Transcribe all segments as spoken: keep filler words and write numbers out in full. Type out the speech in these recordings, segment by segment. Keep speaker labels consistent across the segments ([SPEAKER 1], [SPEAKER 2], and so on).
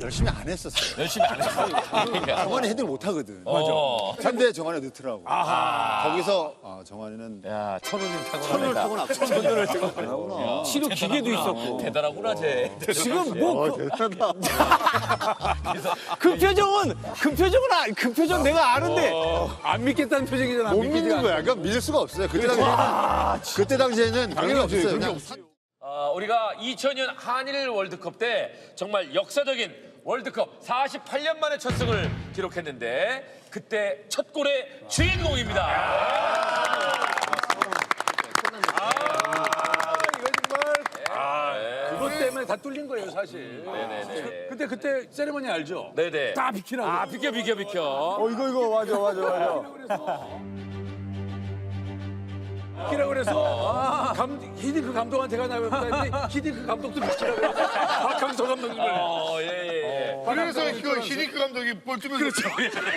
[SPEAKER 1] 열심히 안 했었어요.
[SPEAKER 2] 열심히 안 했어. 그러니까.
[SPEAKER 1] 정환이 헤딩을 못 하거든.
[SPEAKER 2] 어.
[SPEAKER 1] 근데 정환이 넣더라고.
[SPEAKER 2] 아하.
[SPEAKER 1] 거기서 아, 정환이는
[SPEAKER 2] 야, 천운이 타고
[SPEAKER 1] 천을 타고 나. 천을 타고 나.
[SPEAKER 3] 치료 기계도 있었고.
[SPEAKER 2] 대단하구나, 쟤.
[SPEAKER 3] 지금 뭐 그, 그 표정은 그 표정은 아, 그 표정 내가 아는데 안 믿겠다는 표정이잖아.
[SPEAKER 1] 못 믿는 거야. 그러니까 믿을 수가 없어요. 그때 당시에는 그때 당시에는 그런 게 없어요. 그냥
[SPEAKER 2] 어, 우리가 이천 년 한일 월드컵 때 정말 역사적인 월드컵 사십팔 년 만에 첫 승을 기록했는데 그때 첫 골의 주인공입니다.
[SPEAKER 4] 그것 때문에 다 뚫린 거예요, 사실.
[SPEAKER 2] 네네네.
[SPEAKER 4] 그때 그때 세레머니 알죠?
[SPEAKER 2] 네네.
[SPEAKER 4] 다 비키라고.
[SPEAKER 2] 아, 비켜, 비켜, 비켜.
[SPEAKER 3] 어 이거 이거 맞아 맞아 맞아.
[SPEAKER 4] 비키라고 그래서 감, 히딩크 감독한테 가나요? 그랬더니 히딩크 감독도 비키라고 그래서 박항서 감독님을.
[SPEAKER 2] 어, 예, 예, 예.
[SPEAKER 5] 그래서 이거 히딩크 감독이 볼 주면서 그렇죠.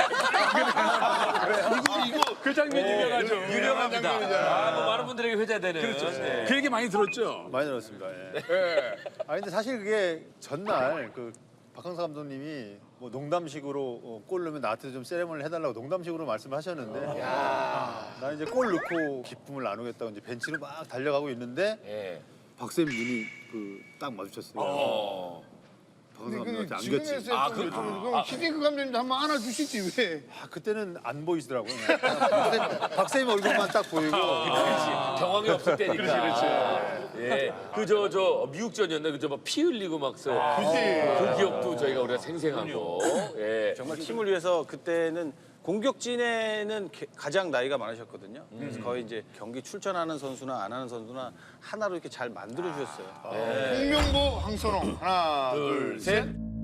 [SPEAKER 5] 이거 이거
[SPEAKER 4] 그 장면이 유명하죠.
[SPEAKER 2] 유명합니다. 아, 뭐 많은 분들에게 회자되는. 그렇죠. 네.
[SPEAKER 4] 그 얘기 많이 들었죠?
[SPEAKER 1] 많이 들었습니다. 예.
[SPEAKER 4] 예.
[SPEAKER 1] 아 근데 사실 그게 전날 그 박항서 감독님이 뭐 농담식으로 어, 골 넣으면 나한테 좀 세레머니를 해달라고 농담식으로 말씀하셨는데 나는 이제 골 넣고 기쁨을 나누겠다고 이제 벤치로 막 달려가고 있는데
[SPEAKER 2] 예.
[SPEAKER 1] 박쌤 눈이 그 딱 마주쳤어요.
[SPEAKER 2] 어.
[SPEAKER 1] 박항서
[SPEAKER 5] 그
[SPEAKER 1] 감독한테
[SPEAKER 5] 지금에서
[SPEAKER 1] 안겼지.
[SPEAKER 2] 아,
[SPEAKER 5] 아,
[SPEAKER 2] 그-
[SPEAKER 5] 그, 그럼 히딩크 감독님도 한번 안아주시지 왜?
[SPEAKER 1] 아, 그때는 안 보이시더라고요. 박쌤, 박쌤 얼굴만 딱 보이고
[SPEAKER 2] 경황이 없을 때니까. 그렇지, 그렇지. 예. 그, 저, 저, 미국전이었나? 그저 막 피 흘리고 막 써. 그 기억도 저희가 우리가 생생하고. 예.
[SPEAKER 3] 정말 팀을 위해서 그때는 공격진에는 게- 가장 나이가 많으셨거든요. 그래서 거의 이제 경기 출전하는 선수나 안 하는 선수나 하나로 이렇게 잘 만들어 주셨어요.
[SPEAKER 5] 홍명보, 황선홍 하나,
[SPEAKER 2] 둘,
[SPEAKER 5] 둘,
[SPEAKER 2] 셋.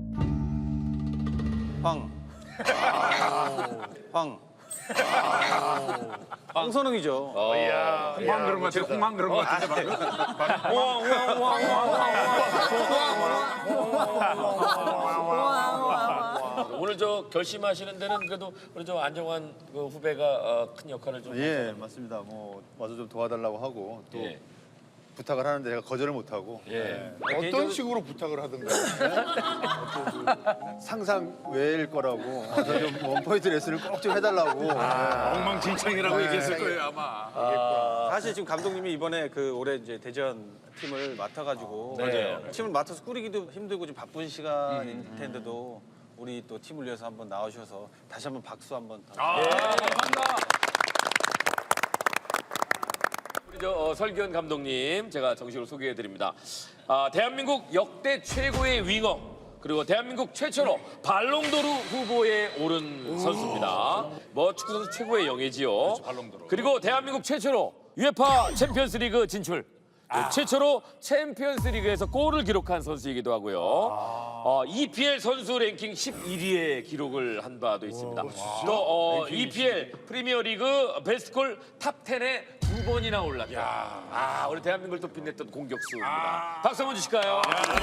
[SPEAKER 3] 황. 황. 황선웅이죠.
[SPEAKER 4] 홍황 그런 것 같아요. 홍황 그런 것 같은데 방금.
[SPEAKER 2] 오늘 저 결심하시는 데는 그래도 우리 저 안정환 그 후배가 어, 큰 역할을 좀.
[SPEAKER 1] 예 맞습니다. 뭐 와서 좀 도와달라고 하고 또
[SPEAKER 2] 예.
[SPEAKER 1] 부탁을 하는데 제가 거절을 못 하고
[SPEAKER 2] 예.
[SPEAKER 5] 어떤 식으로 부탁을 하던가.
[SPEAKER 1] 상상 외일 거라고 와서 좀 원포인트 레슨을 꼭 좀 해달라고.
[SPEAKER 4] 엉망진창이라고 얘기했을 거예요 아마.
[SPEAKER 3] 사실 지금 감독님이 이번에 그 올해 이제 대전 팀을 맡아가지고
[SPEAKER 2] 네.
[SPEAKER 3] 팀을 맡아서 꾸리기도 힘들고 좀 바쁜 시간일 텐데도 우리 또 팀을 위해서 한번 나오셔서 다시 한번 박수 한번.
[SPEAKER 2] 우리 저 어, 설기현 감독님 제가 정식으로 소개해드립니다. 아, 대한민국 역대 최고의 윙어 그리고 대한민국 최초로 발롱도르 후보에 오른 선수입니다. 뭐 축구 선수 최고의 영예지요. 그리고 대한민국 최초로 유에파 챔피언스리그 진출. 그 최초로 챔피언스리그에서 골을 기록한 선수이기도 하고요. 어, 이피엘 선수 랭킹 십일 위의 기록을 한 바도 있습니다. 또 어, 이피엘 프리미어리그 베스트골 탑 텐에 두 번이나 올랐다. 아, 우리 대한민국을 또 빛냈던 공격수입니다. 박수 한번 주실까요?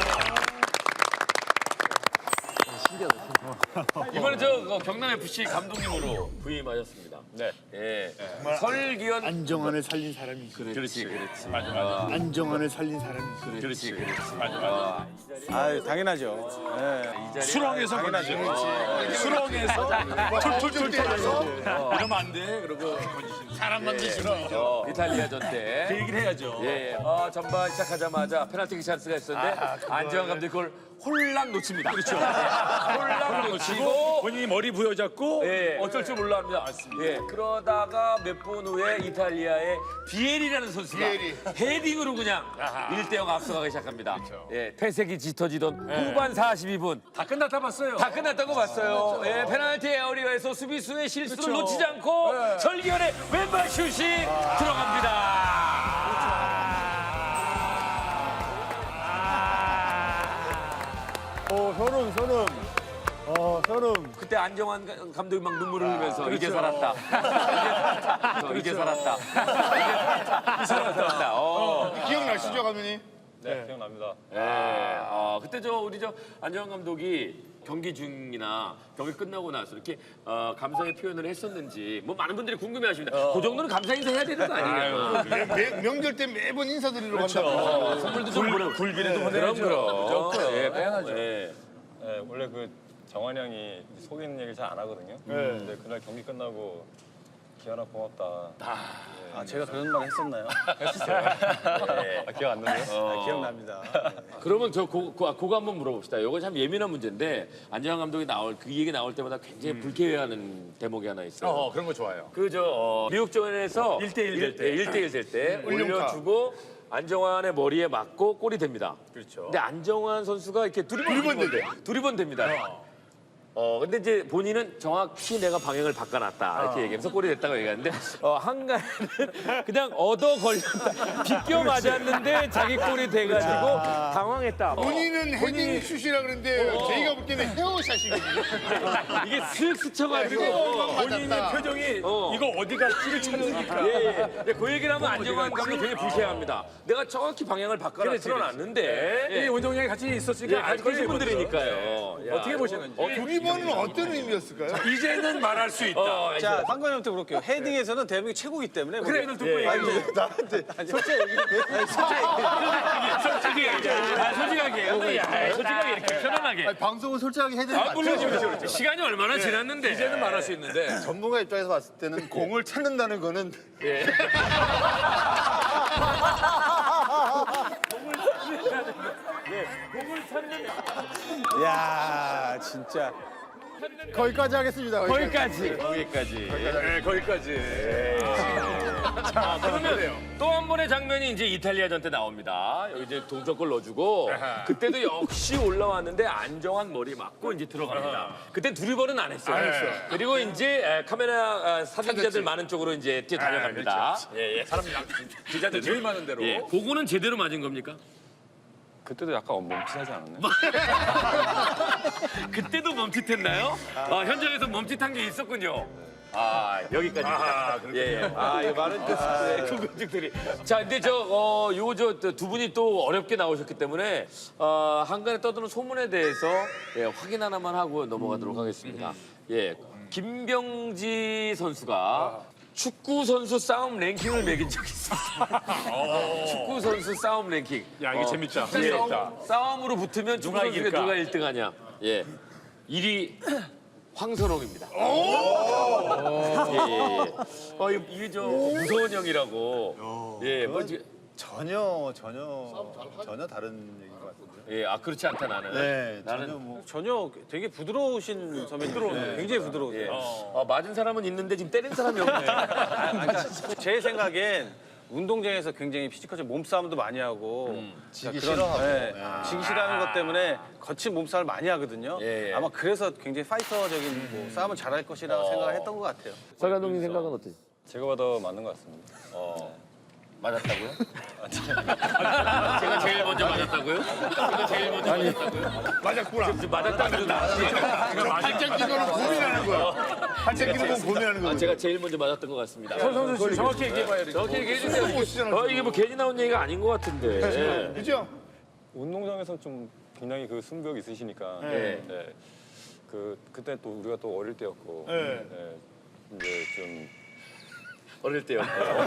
[SPEAKER 2] 이번에 저 어, 경남에프씨 감독님으로 부임하셨습니다. 네. 예. 설기현
[SPEAKER 6] 안정환을 살린 사람이
[SPEAKER 2] 그렇지, 그렇지.
[SPEAKER 6] 안정환을 살린 사람이
[SPEAKER 2] 그렇지, 그렇지.
[SPEAKER 3] 아 당연하죠. 네.
[SPEAKER 4] 수렁에서
[SPEAKER 3] 당연하죠.
[SPEAKER 4] 수렁에서 툴툴툴 떠서 이러면 안 돼. 그러고 사람 만드시는
[SPEAKER 2] 어, 이탈리아전 때.
[SPEAKER 4] 그 얘기를 해야죠.
[SPEAKER 2] 예, 예. 어, 전반 시작하자마자 페널티 찬스가 있었는데 안정환 감독이 그걸 홀랑 놓칩니다. 그렇죠. 홀랑 놓치고
[SPEAKER 4] 본인이 머리 부여잡고
[SPEAKER 2] 예, 어쩔 줄 몰라 합니다. 예, 그러다가 몇 분 후에 이탈리아의 비에리라는 선수가
[SPEAKER 5] 비에리.
[SPEAKER 2] 헤딩으로 그냥 일 대 영 앞서가기 시작합니다. 예, 퇴색이 짙어지던 후반 사십이 분.
[SPEAKER 4] 다 끝났다 봤어요.
[SPEAKER 2] 다 끝났던 거 봤어요. 예, 페널티 에어리어에서 수비수의 실수를 놓치지 않고 설기현의 왼발 슛이 들어갑니다.
[SPEAKER 6] 어 현웅 현웅 어 현웅
[SPEAKER 2] 그때 안정환 가- 감독이 막 눈물을 흘리면서 이제 살았다. 이제, 이제 살았다. 이제 살았다. 어.
[SPEAKER 5] 기억나시죠, 감독님?
[SPEAKER 3] 네, 기억납니다.
[SPEAKER 2] 예. 어, 그때 저 우리 저 안정환 감독이 경기 중이나 경기 끝나고 나서 이렇게 어, 감사의 표현을 했었는지 뭐 많은 분들이 궁금해하십니다. 그 정도는 감사 인사 해야 되는 거 아니냐?
[SPEAKER 5] 매- 매- 명절 때 매번 인사드리러 간다고.
[SPEAKER 2] 어, 선물도 좀 보내.
[SPEAKER 4] 굴비라도
[SPEAKER 2] 그럼
[SPEAKER 4] 보내야죠.
[SPEAKER 2] 그럼. 예, 빼야죠. 예.
[SPEAKER 7] 네, 원래 그 정환이 형이 속이는 얘기를 잘 안 하거든요. 근데 그날 경기 끝나고 기현아 고맙다.
[SPEAKER 3] 아, 제가 그런 말 했었나요?
[SPEAKER 7] 아, 기억 안 나요?
[SPEAKER 3] 아, 기억납니다.
[SPEAKER 2] 그러면 저 고, 고, 그거 한번 물어봅시다. 이거 참 예민한 문제인데 안정환 감독이 나올 그 얘기 나올 때마다 굉장히 불쾌해하는 대목이 하나 있어요.
[SPEAKER 4] 어, 그런 거 좋아요.
[SPEAKER 2] 그저 어, 미국전에서
[SPEAKER 4] 일 대 일 될 때.
[SPEAKER 2] 일 대 일 될 때
[SPEAKER 5] 올림픽.
[SPEAKER 2] 올려주고 안정환의 머리에 맞고 골이 됩니다.
[SPEAKER 4] 그렇죠.
[SPEAKER 2] 근데 안정환 선수가 이렇게 두리번 됩니다. 두리번 됩니다. 어 근데 이제 본인은 정확히 내가 방향을 바꿔놨다 이렇게 얘기하면서 골이 됐다고 얘기하는데 어 한가는 그냥 얻어 걸렸다 비껴 맞았는데 자기 골이 돼가지고 당황했다. 어.
[SPEAKER 5] 본인은 헤딩 슛이라 그러는데 저희가 볼 때는 헤어샷이거든요.
[SPEAKER 2] 이게 슥 스쳐가지고
[SPEAKER 4] 본인의 표정이
[SPEAKER 2] 어.
[SPEAKER 4] 이거 어디 갈지를 찾으니까.
[SPEAKER 2] 예, 예. 근데 그 얘기를 하면 안정환 감독 굉장히 불쾌합니다. 내가 정확히 방향을 바꿔 틀어놨는데
[SPEAKER 4] 이
[SPEAKER 2] 예.
[SPEAKER 4] 원정량이 같이 있었으니까
[SPEAKER 2] 예, 같이 계신 분들이니까요. 야,
[SPEAKER 4] 어떻게 보시는지.
[SPEAKER 5] 두 번은 어떤 의미였을까요?
[SPEAKER 4] 이제는 말할 수 있다.
[SPEAKER 2] 어,
[SPEAKER 3] 자, 상관님한테 물을게요. 헤딩에서는 대한민국이 최고기 때문에.
[SPEAKER 4] 그래,
[SPEAKER 3] 뭐-
[SPEAKER 4] 듣고 얘기해.
[SPEAKER 3] 나한테 솔직히 얘기- 아니, 솔직히
[SPEAKER 2] 솔직하게, 아, 솔직하게, 야, 솔직하게 이렇게 편안하게.
[SPEAKER 1] 아니, 방송은 솔직하게 해드리면
[SPEAKER 2] 아, 물론 시간이 얼마나 지났는데
[SPEAKER 4] 이제는 말할 수 있는데.
[SPEAKER 1] 전문가 입장에서 봤을 때는 공을 찾는다는 거는
[SPEAKER 2] 예.
[SPEAKER 3] 야, 진짜.
[SPEAKER 1] 거기까지 하겠습니다.
[SPEAKER 2] 거기까지. 거기까지.
[SPEAKER 4] 네, 거기까지.
[SPEAKER 2] 아, 그러면 또 한 번의 장면이 이제 이탈리아전 때 나옵니다. 여기 이제 동점골 넣어주고 그때도 역시 올라왔는데 안정환 머리 맞고 이제 들어갑니다. 그때 두리번은 안 했어요. 그리고 이제 에, 카메라 아, 사진기자들 많은 쪽으로 이제 뛰어 달려갑니다. 예, 예.
[SPEAKER 4] 사람 기자들 제일 많은 대로.
[SPEAKER 2] 예. 그거는 제대로 맞은 겁니까?
[SPEAKER 7] 그때도 약간 멈칫하지 않았나요?
[SPEAKER 2] 그때도 멈칫했나요? 아, 현장에서 멈칫한 게 있었군요. 아, 여기까지입니다. 예, 예. 아, 이거 많은 궁금증들이. 자, 근데 저, 어, 요거 저 두 분이 또 어렵게 나오셨기 때문에, 어, 한간에 떠도는 소문에 대해서 예, 확인 하나만 하고 넘어가도록 하겠습니다. 예. 김병지 선수가 축구 선수 싸움 랭킹을 매긴 적이 있습니다. 축구 선수 싸움 랭킹.
[SPEAKER 4] 야, 이게
[SPEAKER 2] 어,
[SPEAKER 4] 재밌다.
[SPEAKER 2] 예.
[SPEAKER 4] 재밌다.
[SPEAKER 2] 싸움으로 붙으면 축구
[SPEAKER 4] 누가
[SPEAKER 2] 선수가
[SPEAKER 4] 이길까?
[SPEAKER 2] 누가 일 등 하냐. 예. 일 위 황선홍입니다. 예, 예, 예. 어, 이- 이게 저 무서운 형이라고. 예, 뭐, 지-
[SPEAKER 1] 전혀 전혀 전혀 다른 얘기인 것 같은데.
[SPEAKER 2] 예, 아 그렇지 않다 나는.
[SPEAKER 1] 네,
[SPEAKER 2] 나는
[SPEAKER 1] 전혀 뭐
[SPEAKER 3] 전혀 되게 부드러우신 선배님. 굉장히 부드러우세요.
[SPEAKER 2] 예. 어, 맞은 사람은 있는데 지금 때린 사람이 없네.
[SPEAKER 3] 그러니까 제 생각엔 운동장에서 굉장히 피지컬적 몸싸움도 많이 하고
[SPEAKER 1] 지기
[SPEAKER 3] 그런-
[SPEAKER 1] 싫어하고.
[SPEAKER 3] 네, 지기 싫어하는 것 때문에 거친 몸싸움을 많이 하거든요.
[SPEAKER 2] 예, 예.
[SPEAKER 3] 아마 그래서 굉장히 파이터적인 뭐 싸움을 잘할 것이라고 생각을 했던 것 같아요.
[SPEAKER 2] 설 감독님 생각은 어때요?
[SPEAKER 7] 제가 봐도 맞는 것 같습니다.
[SPEAKER 2] 맞았다고요? 제가 제일 먼저 맞았다고요? 제가 제일 먼저 맞았다고요?
[SPEAKER 5] 맞았구나.
[SPEAKER 2] 지금 맞았다고 나왔지.
[SPEAKER 5] 팔짱 끼는 거는 고민하는 거야. 팔짱 끼는 건 고민하는
[SPEAKER 2] 아,
[SPEAKER 5] 거야.
[SPEAKER 2] 제가 제일 먼저 맞았던 것 같습니다.
[SPEAKER 4] 선 선수 씨 정확히 얘기해봐야 돼.
[SPEAKER 2] 정확히 얘기해 주세요. 어, 이게 뭐 괜히 나온 얘기가 아닌 것 같은데.
[SPEAKER 5] 그죠?
[SPEAKER 7] 운동장에서는 좀 굉장히 그 승부욕 있으시니까.
[SPEAKER 2] 네.
[SPEAKER 7] 네. 그 그때 또 우리가 또 어릴 때였고.
[SPEAKER 5] 네.
[SPEAKER 7] 네. 이제 좀
[SPEAKER 2] 어릴 때요.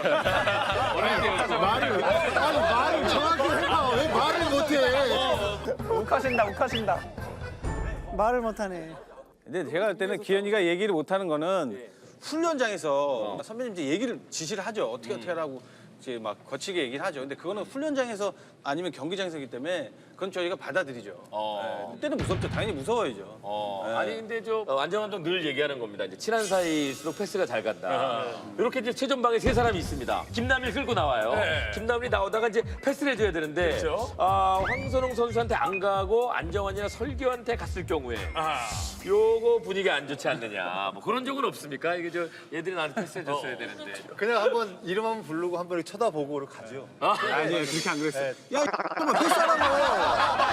[SPEAKER 1] 말을 아니 말을 정확히 해봐. 왜 말을 못해?
[SPEAKER 8] 욱하신다, 욱하신다. 말을 못하네.
[SPEAKER 3] 근데 제가 볼 때는 기현이가 얘기를 못하는 거는 훈련장에서 선배님 이제 얘기를 지시를 하죠. 어떻게 어떻게 하라고 이제 막 거치게 얘기를 하죠. 근데 그거는 훈련장에서 아니면 경기장에서기 때문에 그건 저희가 받아들이죠.
[SPEAKER 2] 어.
[SPEAKER 3] 네, 그때는 무섭죠. 당연히 무서워야죠.
[SPEAKER 2] 어,
[SPEAKER 3] 네.
[SPEAKER 2] 아니 근데 저 어, 안정 감독 늘 얘기하는 겁니다. 이제 친한 사이일수록 패스가 잘 간다. 이렇게 이제 최전방에 세 사람이 있습니다. 김남일 끌고 나와요. 김남일이 나오다가 이제 패스를 해줘야 되는데 아, 황선홍 선수한테 안 가고 안정환이나 설교한테 갔을 경우에 요거 분위기 안 좋지 않느냐. 뭐 그런 적은 없습니까? 이게 저 얘들이 나한테 패스해줬어야 되는데.
[SPEAKER 1] 그냥 한번 이름 한번 부르고 한번 이렇게 쳐다보고 이렇게 가죠.
[SPEAKER 3] 아니 그렇게 안 그랬어요. 야, 잠깐만 패스하라고.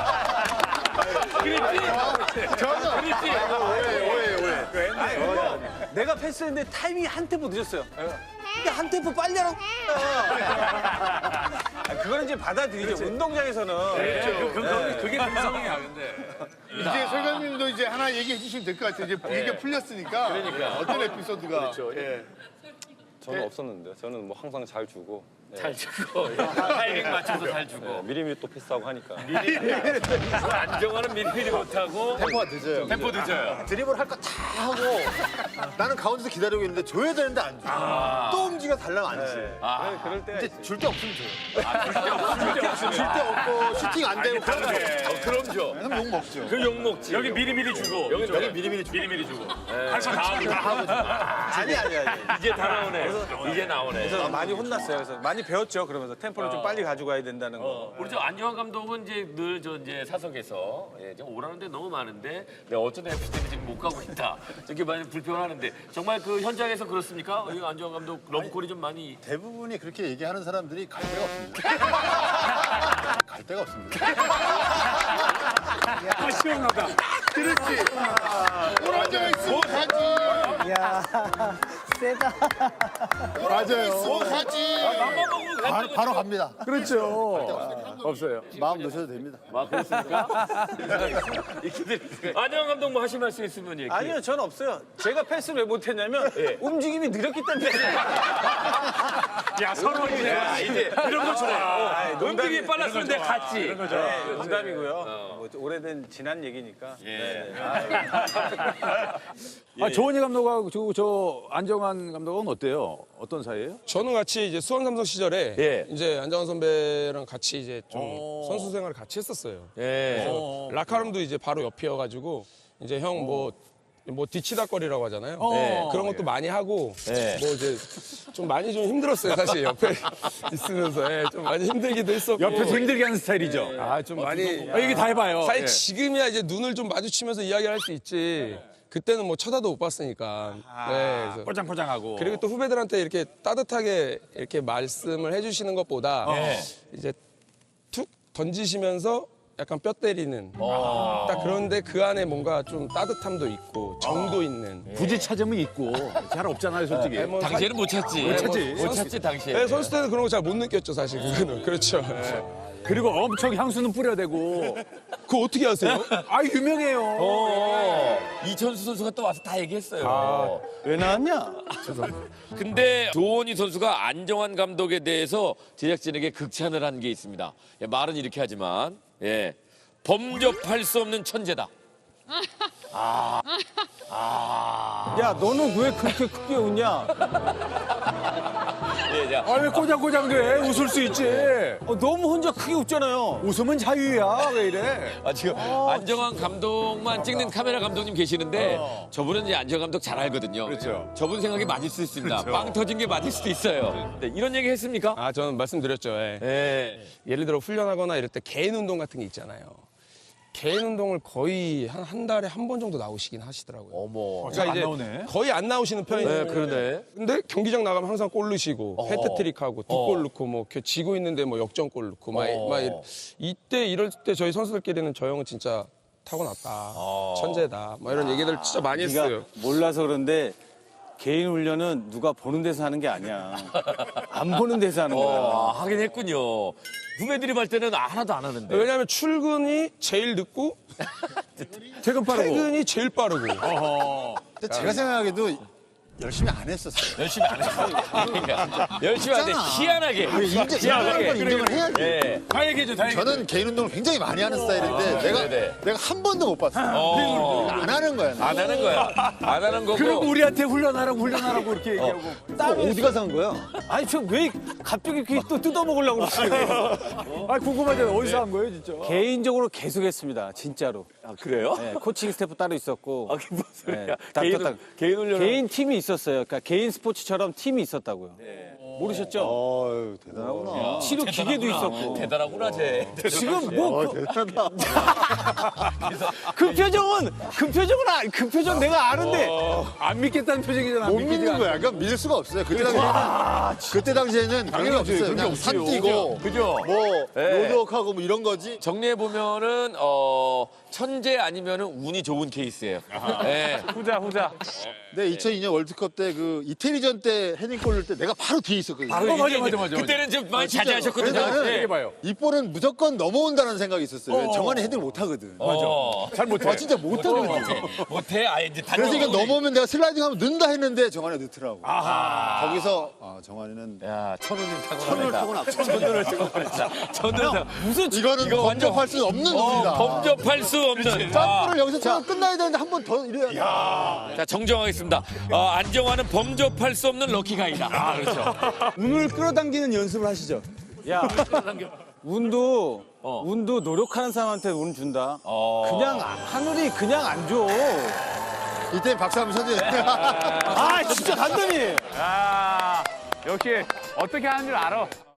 [SPEAKER 3] 내가 패스했는데 타이밍이 한 템포 늦었어요. 야, 한 템포 빨리 하라고. 아, 그거는 이제 받아들이죠. 운동장에서는.
[SPEAKER 4] 그게 감성이야, 근데.
[SPEAKER 5] 이제 설감님도 이제 하나 얘기해 주시면 될 것 같아요. 이제 얘기가 풀렸으니까.
[SPEAKER 2] 그러니까.
[SPEAKER 5] 어떤 에피소드가.
[SPEAKER 2] 그렇죠.
[SPEAKER 5] 예.
[SPEAKER 7] 저는 없었는데 저는 뭐 항상 잘 주고
[SPEAKER 2] 잘 주고 타이밍 맞춰서 잘 주고.
[SPEAKER 7] 네, 미리미리 또 패스하고 하니까.
[SPEAKER 2] 안정환은 미리미리 못하고
[SPEAKER 1] 템포가 늦어요.
[SPEAKER 2] 템포 늦어요.
[SPEAKER 1] 드리블 할 거 다 하고 나는 가운데서 기다리고 있는데 줘야 되는데 안 줘. 또 움직여 달라면 안 줘.
[SPEAKER 2] 아,
[SPEAKER 3] 그럴 때
[SPEAKER 1] 근데 줄 데 없으면 줘요.
[SPEAKER 2] 줄
[SPEAKER 1] 줄 데 없고 슈팅 안 되고 그럼 줘.
[SPEAKER 2] 어, 그럼 줘.
[SPEAKER 1] 그럼 욕 먹죠.
[SPEAKER 2] 그 욕 먹지.
[SPEAKER 4] 여기 미리미리 주고
[SPEAKER 2] 여기
[SPEAKER 1] 여기 미리미리 줘.
[SPEAKER 2] 미리미리 주고. 할거다 하고.
[SPEAKER 3] 아니 아니 아니.
[SPEAKER 2] 이제 다 나오네. 이제 나오네.
[SPEAKER 3] 그래서 많이 혼났어요. 그래서 많이 배웠죠. 그러면서 템포를 좀 빨리 가져가야 된다는 거.
[SPEAKER 2] 우리 저 안정환 감독은 이제 늘 저 이제 사석에서 예, 지금 오라는데 너무 많은데 내가 어쩐 에프씨는 지금 못 가고 있다. 이렇게 많이 불평하는데 정말 그 현장에서 그렇습니까? 이 안정환 감독 러브콜이 좀 많이
[SPEAKER 1] 대부분이 그렇게 얘기하는 사람들이 갈 데가 없습니다. 갈 데가 없습니다.
[SPEAKER 4] 아 시원하다.
[SPEAKER 5] 그렇지. 오라져 있으면 가지.
[SPEAKER 8] 야, 세다.
[SPEAKER 5] 맞아요. 가지.
[SPEAKER 1] 바로, 바로 갑니다.
[SPEAKER 4] 그렇죠. 없어요.
[SPEAKER 1] 마음 놓으셔도 됩니다.
[SPEAKER 2] 막 그렇습니까? 안정환 감독 뭐 하실 말씀 있으면 얘기.
[SPEAKER 3] 아니요, 전 없어요. 제가 패스를 왜 못했냐면 움직임이 느렸기 때문에.
[SPEAKER 4] 야 서로 이제
[SPEAKER 2] 야, 이제 이런 거 좋아. 움직임이 빨랐는데 갔지.
[SPEAKER 3] 네, 농담이고요. 뭐 오래된 지난 얘기니까. 네.
[SPEAKER 4] 아, 조원희 감독하고 저, 저 안정환 감독은 어때요? 어떤 사이예요?
[SPEAKER 9] 저는 같이 이제 수원 삼성 시절에
[SPEAKER 2] 예.
[SPEAKER 9] 이제 안정환 선배랑 같이 이제 좀 선수 생활을 같이 했었어요.
[SPEAKER 2] 예.
[SPEAKER 9] 라카룸도 이제 바로 옆이어가지고 이제 형 뭐 뭐 뒤치다거리라고 하잖아요.
[SPEAKER 4] 네.
[SPEAKER 9] 그런 것도 많이 하고
[SPEAKER 2] 네.
[SPEAKER 9] 뭐 이제 좀 많이 좀 힘들었어요 사실 옆에 있으면서 예, 좀 많이 힘들기도 했었고
[SPEAKER 4] 옆에서 힘들게 하는 스타일이죠.
[SPEAKER 9] 아 좀 많이
[SPEAKER 4] 아, 얘기 다 해봐요.
[SPEAKER 9] 사실
[SPEAKER 4] 예.
[SPEAKER 9] 지금이야 이제 눈을 좀 마주치면서 이야기를 할 수 있지 그때는 뭐 쳐다도 못 봤으니까 네, 그래서
[SPEAKER 4] 포장포장하고.
[SPEAKER 9] 그리고 또 후배들한테 이렇게 따뜻하게 이렇게 말씀을 해주시는 것보다 이제 툭 던지시면서 약간 뼈 때리는 딱 그런데 그 안에 뭔가 좀 따뜻함도 있고 정도 있는
[SPEAKER 4] 굳이 찾으면 있고 잘 없잖아요, 솔직히.
[SPEAKER 9] 네, 뭐
[SPEAKER 2] 당시에는 못 찾지.
[SPEAKER 9] 못
[SPEAKER 4] 찾지.
[SPEAKER 2] 못 찾지 당시에.
[SPEAKER 9] 네, 선수 때는 그런 거 잘 못 느꼈죠 사실 그거는 그렇죠.
[SPEAKER 4] 그리고 엄청 향수는 뿌려대고.
[SPEAKER 9] 그거 어떻게 아세요?
[SPEAKER 4] 아 유명해요.
[SPEAKER 2] 어, 이천수 선수가 또 와서 다 얘기했어요.
[SPEAKER 3] 왜 나왔냐?
[SPEAKER 2] 근데 조원희 선수가 안정환 감독에 대해서 제작진에게 극찬을 한 게 있습니다. 예, 말은 이렇게 하지만 예, 범접할 수 없는 천재다.
[SPEAKER 3] 야, 너는 왜 그렇게 크게 웃냐?
[SPEAKER 2] 예, 자,
[SPEAKER 4] 아 왜 꼬장꼬장돼? 웃을 수 있지.
[SPEAKER 3] 어, 너무 혼자 크게 웃잖아요.
[SPEAKER 4] 웃으면 자유야. 왜 이래?
[SPEAKER 2] 아, 지금 안정환 감독만 찍는 카메라 감독님 계시는데 저분은 이제 안정환 감독 잘 알거든요.
[SPEAKER 4] 그렇죠.
[SPEAKER 2] 저분 생각이 맞을 수 있습니다. 빵 터진 게 맞을 수도 있어요. 네, 이런 얘기 했습니까?
[SPEAKER 9] 아 저는 말씀드렸죠. 예.
[SPEAKER 2] 예.
[SPEAKER 9] 예를 들어 훈련하거나 이럴 때 개인 운동 같은 게 있잖아요. 개인 운동을 거의 한 한 달에 한 번 정도 나오시긴 하시더라고요.
[SPEAKER 2] 어머.
[SPEAKER 9] 그러니까
[SPEAKER 4] 안
[SPEAKER 9] 이제
[SPEAKER 4] 나오네.
[SPEAKER 9] 거의 안 나오시는 편이에요.
[SPEAKER 2] 네, 그러네.
[SPEAKER 9] 근데 경기장 나가면 항상 골 넣으시고 헤트트릭하고 두 골 넣고 뭐 이렇게 지고 있는데 뭐 역전골 넣고 막,
[SPEAKER 2] 어.
[SPEAKER 9] 막 이- 이때 이럴 때 저희 선수들끼리는 저 형은 진짜 타고났다. 천재다. 뭐 이런 얘기들 진짜 많이
[SPEAKER 3] 네가
[SPEAKER 9] 했어요.
[SPEAKER 3] 몰라서 그런데 개인 훈련은 누가 보는 데서 하는 게 아니야. 안 보는 데서 하는 거야.
[SPEAKER 2] 어, 하긴 했군요. 후배들이 볼 때는 하나도 안 하는데.
[SPEAKER 9] 왜냐하면 출근이 제일 늦고
[SPEAKER 4] 퇴근 빠르고.
[SPEAKER 9] 퇴근이 제일 빠르고.
[SPEAKER 1] 근데 제가 생각하기에도 열심히 안 했었어요.
[SPEAKER 2] 열심히 안 했어요. 그러니까 열심히 안 해. 희한하게.
[SPEAKER 1] 인정, 인정하는 건 인정을 해야지.
[SPEAKER 2] 예.
[SPEAKER 4] 다 얘기해줘, 다 얘기해줘.
[SPEAKER 1] 저는 개인 운동을 굉장히 많이 하는 스타일인데 내가
[SPEAKER 2] 네네.
[SPEAKER 1] 내가 한 번도 못 봤어요.
[SPEAKER 2] 어.
[SPEAKER 1] 안 하는 거야.
[SPEAKER 2] 안 하는 거야. 안 하는 거고.
[SPEAKER 4] 그럼 우리한테 훈련하라고 훈련하라고 이렇게 얘기하고.
[SPEAKER 1] 어디 가서 한 거야?
[SPEAKER 3] 아니, 저 왜 갑자기 이렇게 또 뜯어먹으려고 그러세요?
[SPEAKER 4] 아 궁금하잖아. 어디서 한 거예요, 진짜?
[SPEAKER 3] 개인적으로 계속 했습니다, 진짜로.
[SPEAKER 2] 아, 그래요?
[SPEAKER 3] 네, 코칭 스태프 따로 있었고.
[SPEAKER 2] 아, 그게 무슨 소리야.
[SPEAKER 3] 네, 딱,
[SPEAKER 2] 개인,
[SPEAKER 3] 딱, 딱.
[SPEAKER 2] 개인 훈련.
[SPEAKER 3] 개인 팀이 있었어요. 그러니까 개인 스포츠처럼 팀이 있었다고요. 모르셨죠?
[SPEAKER 1] 어유 대단하구나.
[SPEAKER 3] 치료 기계도 있었고.
[SPEAKER 2] 대단하구나, 쟤.
[SPEAKER 3] 지금 뭐 그, 그 표정은 그 표정은 아, 그 표정 내가 아는데
[SPEAKER 4] 안 믿겠다는 표정이잖아.
[SPEAKER 1] 못 믿는 거야. 그러니까 믿을 수가 없어요. 그때 당시에는 그때 당시에는 그런 게 없어요. 그냥 산 뛰고
[SPEAKER 2] 그죠?
[SPEAKER 1] 뭐
[SPEAKER 2] 네.
[SPEAKER 1] 로드워크하고 뭐 이런 거지.
[SPEAKER 2] 정리해 보면은 어 천재 아니면은 운이 좋은 케이스예요. 예.
[SPEAKER 3] 후자 후자.
[SPEAKER 1] 네, 이천이 년 월드컵 때 그 이태리전 때 헤딩골 넣을 때 내가 바로 뒤에 있었거든요.
[SPEAKER 2] 바로
[SPEAKER 4] 어, 맞아,
[SPEAKER 2] 이게
[SPEAKER 4] 맞아,
[SPEAKER 2] 이제
[SPEAKER 4] 맞아,
[SPEAKER 2] 그때는 좀 많이
[SPEAKER 1] 진짜로.
[SPEAKER 2] 자제하셨거든요.
[SPEAKER 1] 그래서 나는
[SPEAKER 2] 예.
[SPEAKER 4] 해봐요.
[SPEAKER 1] 이 볼은 무조건 넘어온다는 생각이 있었어요. 왜 정환이 헤딩을 못 하거든.
[SPEAKER 2] 어.
[SPEAKER 4] 잘 못해.
[SPEAKER 1] 아, 진짜 못 하거든.
[SPEAKER 2] 못해. 아예 이제
[SPEAKER 1] 그래서 이거 넘어오면 내가 슬라이딩하면 넣는다 했는데 정환이 넣더라고.
[SPEAKER 2] 아하.
[SPEAKER 1] 거기서 아, 정환이는
[SPEAKER 2] 야, 천운이 타고
[SPEAKER 1] 천운을 타고났다.
[SPEAKER 2] 천운을 타고났다. 천운을 타고.
[SPEAKER 1] 무슨 이거는
[SPEAKER 2] 이거 완전-
[SPEAKER 1] 범접할 수 없는 운이다.
[SPEAKER 2] 범접할 수 없는. 아.
[SPEAKER 1] 점프를 여기서 쳐서 끝나야 되는데 한 번 더 이래야.
[SPEAKER 2] 자, 정정하겠습니다. 어, 안정환은 범접할 수 없는 럭키가이다. 아, 그렇죠.
[SPEAKER 6] 운을 끌어당기는 연습을 하시죠.
[SPEAKER 3] 야, 운도
[SPEAKER 2] 어.
[SPEAKER 3] 운도 노력하는 사람한테 운 준다.
[SPEAKER 2] 어.
[SPEAKER 3] 그냥 하늘이 그냥 안 줘.
[SPEAKER 1] 이때 박수 한번 쳐줘야
[SPEAKER 3] 아, 진짜 간단히.
[SPEAKER 6] 아, 역시 어떻게 하는 줄 알아.